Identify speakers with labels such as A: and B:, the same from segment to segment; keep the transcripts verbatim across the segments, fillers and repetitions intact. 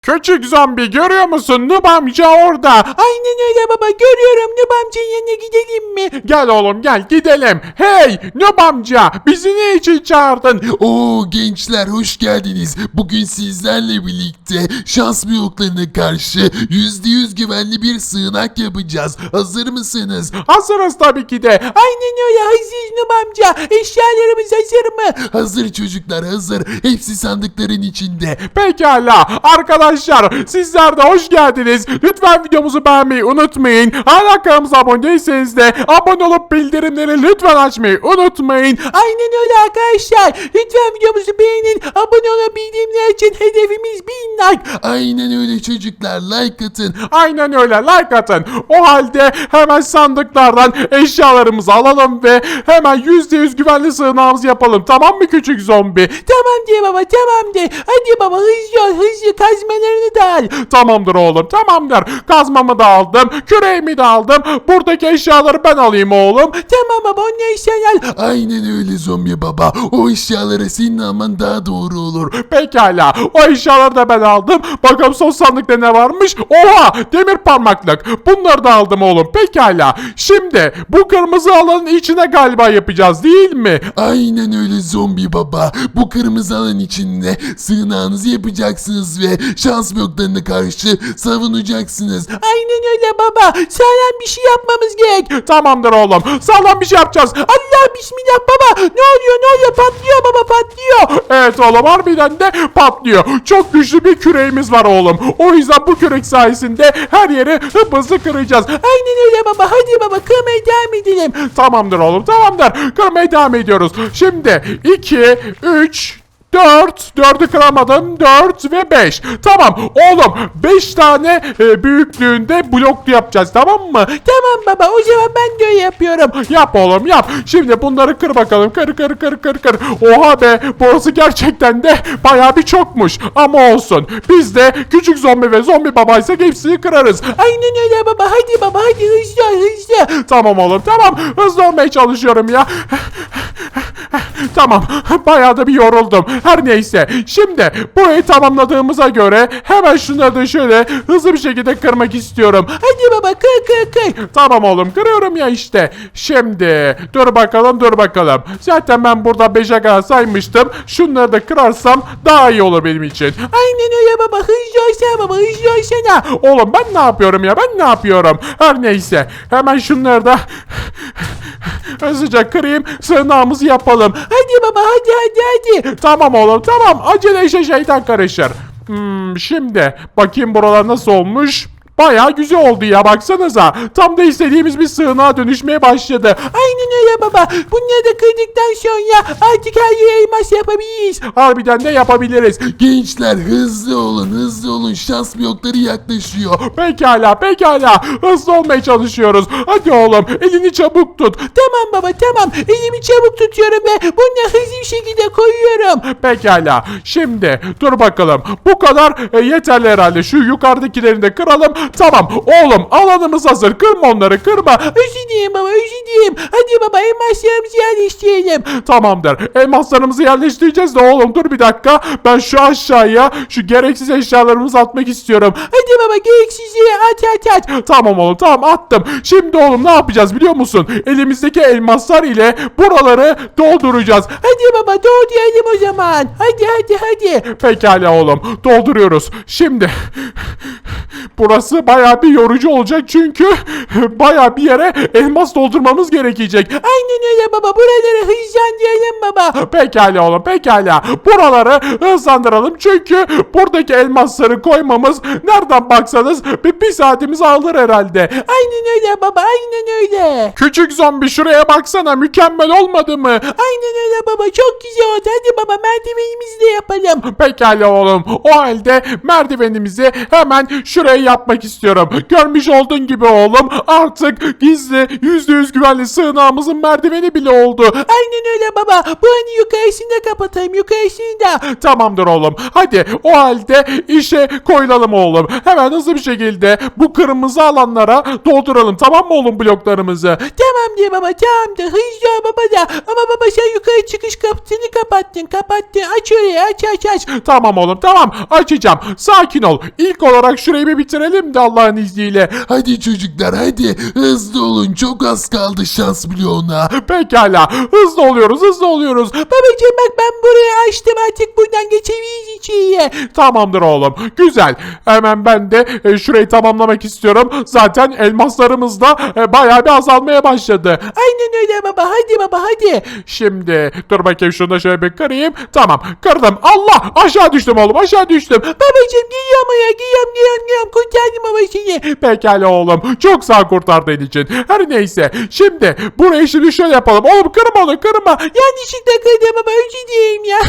A: Küçük zombi görüyor musun? Nub amca orada.
B: Aynen öyle baba, görüyorum. Nub amcanın yanına gidelim mi?
A: Gel oğlum gel gidelim. Hey Nub amca bizi ne için çağırdın?
C: Oo gençler hoş geldiniz. Bugün sizlerle birlikte şans bloklarına karşı yüzde yüz güvenli bir sığınak yapacağız. Hazır mısınız?
A: Hazırız tabii ki de.
B: Aynen öyle, hazır Nub amca. Eşyalarımız hazır mı?
C: Hazır çocuklar hazır. Hepsi sandıkların içinde.
A: Pekala arkadaşlar sizler de hoş geldiniz. Lütfen videomuzu beğenmeyi unutmayın. Hala kanalımıza abone değilseniz de abone olup bildirimleri lütfen açmayı unutmayın.
B: Aynen öyle arkadaşlar. Lütfen videomuzu beğenin. Abone olun, bildirimler için hedefimiz bin like.
C: Aynen öyle çocuklar, like atın.
A: Aynen öyle like atın. O halde hemen sandıklardan eşyalarımızı alalım ve hemen yüzde yüz güvenli sığınağımızı yapalım. Tamam mı küçük zombi?
B: Tamam diye baba, tamam de. Hadi baba, hızlı ol, hızlı, kazmalarını da al.
A: Tamamdır oğlum tamamdır. Kazmamı da aldım. Küreğimi de aldım. Buradaki eşyaları ben alayım oğlum.
B: Tamam baba, onları sen al.
C: Aynen öyle zombi baba. O eşyalara senin alman daha doğru olur.
A: Pekala. O eşyaları da ben aldım. Bakalım son sandıkta ne varmış? Oha! Demir parmaklık. Bunları da aldım oğlum. Pekala. Şimdi bu kırmızı alanın içine galiba yapacağız değil mi?
C: Aynen öyle zombi baba. Bu kırmızı alan içinde sığınağınızı yapacaksınız ve şans bloklarına karşı savunacaksınız.
B: Aynen öyle baba. Sağlam bir şey yapmamız gerek.
A: Tamamdır oğlum. Sağlam bir şey yapacağız.
B: Allah bismillah baba. Ne oluyor ne oluyor, patlıyor baba, patlıyor.
A: Evet oğlum harbiden de patlıyor. Çok güçlü bir küreğimiz var oğlum. O yüzden bu kürek sayesinde her yeri hızlı kıracağız.
B: Aynen öyle baba. Hadi baba, kırmaya devam edelim.
A: Tamamdır oğlum tamamdır. Kırmaya devam ediyoruz. Şimdi iki, üç, dört, dördü kıramadım. dört ve beş. Tamam oğlum beş tane e, büyüklüğünde bloklu yapacağız tamam mı?
B: Tamam baba, o zaman ben de öyle yapıyorum.
A: Yap oğlum yap. Şimdi bunları kır bakalım. Kır kır kır kır kır. Oha be burası gerçekten de bayağı bir çokmuş. Ama olsun. Biz de küçük zombi ve zombi babaysak hepsini kırarız.
B: Aynen öyle baba. Hadi baba, hadi hızlı ol, hızlı.
A: Tamam oğlum tamam. Hızlı olmaya çalışıyorum ya. Tamam. Bayağı da bir yoruldum. Her neyse. Şimdi burayı tamamladığımıza göre hemen şunları da şöyle hızlı bir şekilde kırmak istiyorum.
B: Hadi baba, kır kır kır.
A: Tamam oğlum kırıyorum ya işte. Şimdi dur bakalım dur bakalım. Zaten ben burada beşe kadar saymıştım. Şunları da kırarsam daha iyi olur benim için.
B: Aynen öyle baba. Hızlı olsana baba, hızlı olsana.
A: Oğlum ben ne yapıyorum ya ben ne yapıyorum. Her neyse. Hemen şunları da hızlıca kırayım. Sığınağımızı yapalım.
B: Hadi baba, hadi hadi hadi.
A: Tamam oğlum tamam. Acele işe şeytan karışır. Hmm, şimdi bakayım buralar nasıl olmuş. Bayağı güzel oldu ya baksanıza. Tam da istediğimiz bir sığınağa dönüşmeye başladı.
B: Aynen öyle baba. Bunları da kırdıktan sonra artık her yere elmas yapabiliriz.
A: Harbiden de yapabiliriz.
C: Gençler hızlı olun hızlı olun. Şans blokları yaklaşıyor.
A: Pekala pekala. Hızlı olmaya çalışıyoruz. Hadi oğlum elini çabuk tut.
B: Tamam baba, tamam. Elimi çabuk tutuyorum ve bunu hızlı bir şekilde koyuyorum.
A: Pekala. Şimdi dur bakalım. Bu kadar e, yeterli herhalde. Şu yukarıdakilerini de kıralım. Tamam. Oğlum alanımız hazır. Kırma onları kırma.
B: Özür dilerim baba, özür dilerim. Hadi baba, elmaslarımızı yerleştirelim.
A: Tamamdır. Elmaslarımızı yerleştireceğiz de oğlum dur bir dakika. Ben şu aşağıya şu gereksiz eşyalarımızı atmak istiyorum.
B: Hadi baba, gereksizliği at at at.
A: Tamam oğlum tamam attım. Şimdi oğlum ne yapacağız biliyor musun? Elimizdeki elmaslar ile buraları dolduracağız.
B: Hadi baba, doğru o zaman. Hadi hadi hadi.
A: Pekala oğlum dolduruyoruz. Şimdi burası bayağı bir yorucu olacak çünkü bayağı bir yere elmas doldurmamız gerekecek.
B: Aynen öyle baba, buraları hızlandıralım baba.
A: Pekala oğlum pekala. Buraları hızlandıralım çünkü buradaki elmasları koymamız nereden baksanız bir, bir saatimizi alır herhalde.
B: Aynen öyle baba, aynen öyle.
A: Küçük zombi şuraya baksana mükemmel olmadı mı?
B: Aynen öyle baba, çok güzel oldu. Hadi baba, merdivenimizi de yapalım.
A: Pekala oğlum. O halde merdivenimizi hemen şuraya şey yapmak istiyorum. Görmüş olduğun gibi oğlum artık gizli yüzde yüz güvenli sığınağımızın merdiveni bile oldu.
B: Aynen öyle baba. Bu hani yukarısını da kapatayım. Yukarısını da.
A: Tamamdır oğlum. Hadi o halde işe koyulalım oğlum. Hemen hızlı bir şekilde bu kırmızı alanlara dolduralım. Tamam mı oğlum bloklarımızı?
B: Tamam diye baba tamam da hızlı ol baba da. Ama baba sen yukarı çıkış kapısını kapattın. Kapattın. Aç orayı aç aç aç.
A: Tamam oğlum tamam açacağım. Sakin ol. İlk olarak şurayı bir bitirelim de Allah'ın izniyle.
C: Hadi çocuklar hadi hızlı olun çok az kaldı şans bloğuna.
A: Pekala. Hızlı oluyoruz hızlı oluyoruz.
B: Babacığım bak ben burayı açtım artık buradan geçebiliriz içeriye.
A: Tamamdır oğlum. Güzel. Hemen ben de e, şurayı tamamlamak istiyorum. Zaten elmaslarımız da e, bayağı bir azalmaya başladı.
B: Aynen öyle baba hadi baba hadi.
A: Şimdi dur bakayım şunu da şöyle bir kırayım. Tamam kırdım. Allah aşağı düştüm oğlum aşağı düştüm.
B: Babacığım geliyorum ya geliyorum geliyorum geliyorum kurtardım baba seni.
A: Pekala oğlum. Çok sağ kurtardığın için. Her neyse. Şimdi burayı şimdi şöyle yapalım. Oğlum kırma onu kırma.
B: Yanlışlıkla kırdım baba özür dileyim ya.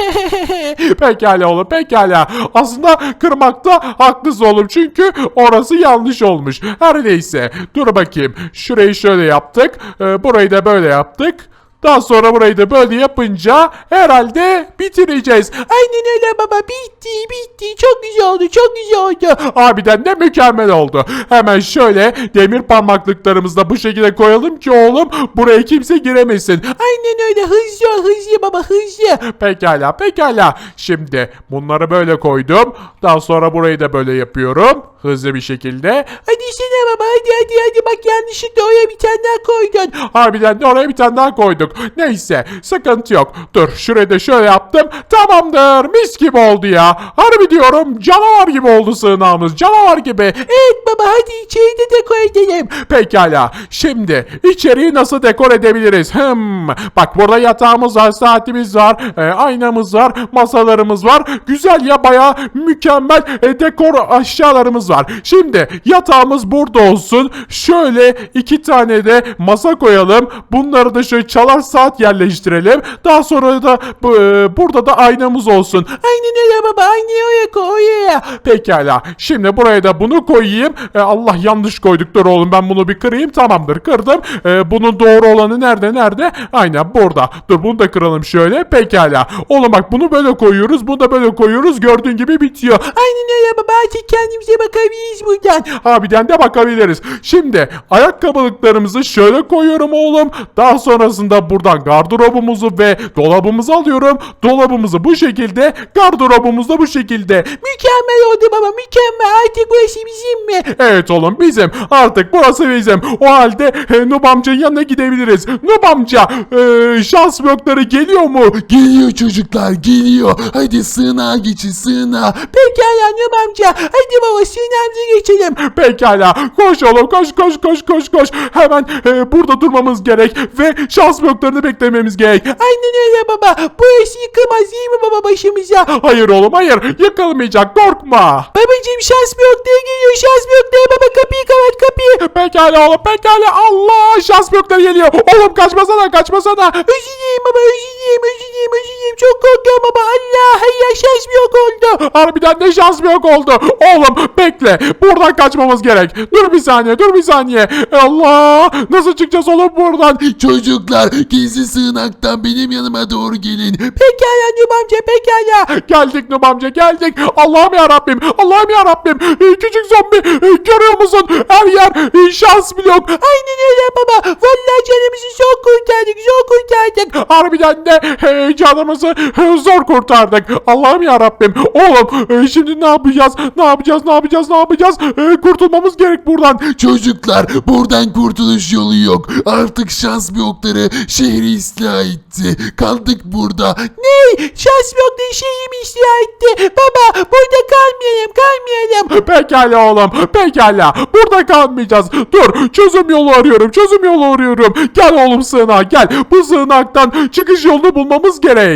A: Pekala oğlum pekala. Aslında kırmakta haklısın oğlum. Çünkü orası yanlış olmuş. Her neyse. Dur bakayım. Şurayı şöyle yaptık. Ee, burayı da böyle yaptık. Daha sonra burayı da böyle yapınca herhalde bitireceğiz.
B: Aynen öyle baba bitti bitti çok güzel oldu çok güzel oldu.
A: Harbiden de mükemmel oldu. Hemen şöyle demir parmaklıklarımızı da bu şekilde koyalım ki oğlum buraya kimse giremesin.
B: Aynen öyle hızlı ol hızlı baba hızlı.
A: Pekala pekala. Şimdi bunları böyle koydum. Daha sonra burayı da böyle yapıyorum. Hızlı bir şekilde.
B: Hadi sana baba hadi hadi hadi bak yanlışlıkla oraya bir tane daha koydun.
A: Harbiden de oraya bir tane daha koyduk. Neyse sıkıntı yok. Dur şurayı da şöyle yaptım. Tamamdır mis gibi oldu ya. Harbi diyorum canavar gibi oldu sığınağımız. Canavar gibi.
B: Evet baba hadi içeri de dekor edelim.
A: Pekala. Şimdi içeriği nasıl dekor edebiliriz? Hmm. Bak burada yatağımız var, saatimiz var, e, aynamız var, masalarımız var. Güzel ya baya mükemmel e, dekor aşağılarımız var. Şimdi yatağımız burada olsun. Şöyle iki tane de masa koyalım. Bunları da şöyle çalar saat yerleştirelim. Daha sonra da bu, e, burada da aynamız olsun.
B: Aynen öyle baba aynayı oraya koy oraya.
A: Pekala. Şimdi buraya da bunu koyayım. E, Allah yanlış koyduk. Dur oğlum ben bunu bir kırayım. Tamamdır kırdım. E, bunun doğru olanı nerede nerede? Aynen burada. Dur bunu da kıralım şöyle. Pekala. Oğlum bak bunu böyle koyuyoruz. Bunu da böyle koyuyoruz. Gördüğün gibi bitiyor.
B: Aynen öyle baba artık kendimize bakabiliriz buradan.
A: Harbiden de bakabiliriz. Şimdi ayakkabılıklarımızı şöyle koyuyorum oğlum. Daha sonrasında buradan gardırobumuzu ve dolabımızı alıyorum. Dolabımızı bu şekilde, gardırobumuzu da bu şekilde.
B: Mükemmel oldu baba mükemmel artık burası bizim mi?
A: Evet oğlum bizim. Artık burası bizim. O halde e, Nub amcanın yanına gidebiliriz. Nub amca e, şans blokları geliyor mu?
C: Geliyor çocuklar geliyor. Hadi sığınağa geçin sığınağa.
B: Pekala Nub amca hadi baba sınavımıza geçelim.
A: Pekala. Koş oğlum koş koş koş koş koş. Hemen e, burada durmamız gerek ve şans bloklarını beklememiz gerek.
B: Aynen öyle baba burası yıkılmaz değil mi baba başımıza?
A: Hayır oğlum hayır. Yıkılmayacak korkma.
B: Babacım şans blokları geliyor şans blokları baba kapıyı kapat kapıyı.
A: Pekala oğlum pekala. Allah şans blokları geliyor. Oğlum kaçmasana kaçmasana.
B: Özür dileyim baba özür dileyim özür dileyim özür dileyim çok korkuyorum baba Allah hayır şans blok oldu.
A: Harbiden de şans yok oldu. Oğlum bekle. Buradan kaçmamız gerek. Dur bir saniye dur bir saniye. Allah. Nasıl çıkacağız oğlum buradan?
C: Çocuklar gizli sığınaktan benim yanıma doğru gelin.
B: Pekala Nub amca pekala.
A: Geldik Nub amca geldik. Allah'ım ya Rabbim. Allah'ım ya Rabbim. Ee, küçük zombi ee, görüyor musun? Her yer ee, şans blok.
B: Aynen öyle baba vallahi canımızı zor kurtardık zor kurtardık.
A: Harbiden de ee, canımızı ee, zor kurtardık. Allah'ım ya Rabbim. Oğlum ee, şimdi ne yapacağız? Ne yapacağız? Ne yapacağız? Ne yapacağız? Ee, kurtulmamız gerek buradan.
C: Çocuklar buradan kurtuluş yolu yok. Artık şans blokları şehri istila etti. Kaldık burada.
B: Ne? Şans blokları şeyimi istila etti. Baba burada kalmayalım kalmayalım.
A: Pekala oğlum. Pekala. Burada kalmayacağız. Dur. Çözüm yolu arıyorum. Çözüm yolu arıyorum. Gel oğlum sığınağa gel. Bu sığınaktan çıkış yolunu bulmamız gerek.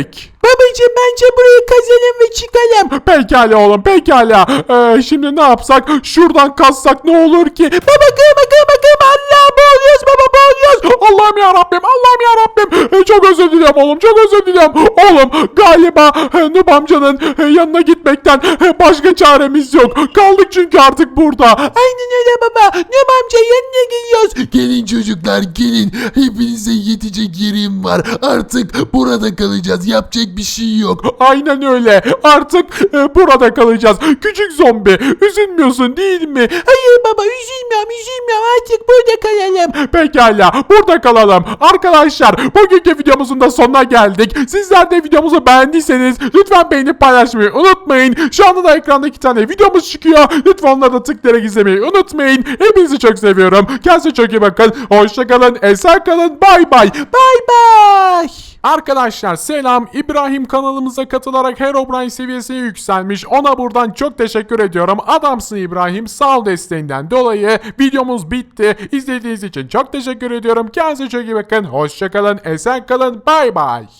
B: Babacım bence burayı kazalım ve çıkalım.
A: Pekala oğlum pekala. Ee, şimdi ne yapsak? Şuradan kazsak ne olur ki?
B: Baba kırma kırma kırma. Allah boğuluyoruz baba boğuluyoruz.
A: Allah'ım ya Rabbim, Allah'ım ya Rabbim. Çok özür diliyorum oğlum, çok özür diliyorum. Oğlum galiba e, Nub amcanın e, yanına gitmekten e, başka çaremiz yok. Kaldık çünkü artık burada.
B: Aynen öyle baba. Nub amca yanına geliyoruz.
C: Gelin çocuklar gelin. Hepinize yetecek yerim var. Artık burada kalacağız. Yapacak bir şey yok.
A: Aynen öyle. Artık e, burada kalacağız. Küçük zombi, üzülmüyorsun değil mi?
B: Hayır baba üzülmüyorum üzülmüyorum artık burada kalalım.
A: Pekala, burada kalalım. Arkadaşlar, bugünkü videomuzun da sonuna geldik. Sizler de videomuzu beğendiyseniz lütfen beğenip paylaşmayı unutmayın. Şu anda da ekranda iki tane videomuz çıkıyor. Lütfen onları da tıklayarak izlemeyi unutmayın. Hepinizi çok seviyorum. Kendinize çok iyi bakın. Hoşçakalın, esen kalın. Bay bay.
B: Bay bay.
A: Arkadaşlar selam. İbrahim kanalımıza katılarak Herobrine seviyesine yükselmiş. Ona buradan çok teşekkür ediyorum. Adamsın İbrahim. Sağ ol desteğinden dolayı. Videomuz bitti. İzlediğiniz için çok teşekkür ediyorum. Kendinize çok iyi bakın. Hoşçakalın. Esen kalın. Bay bay.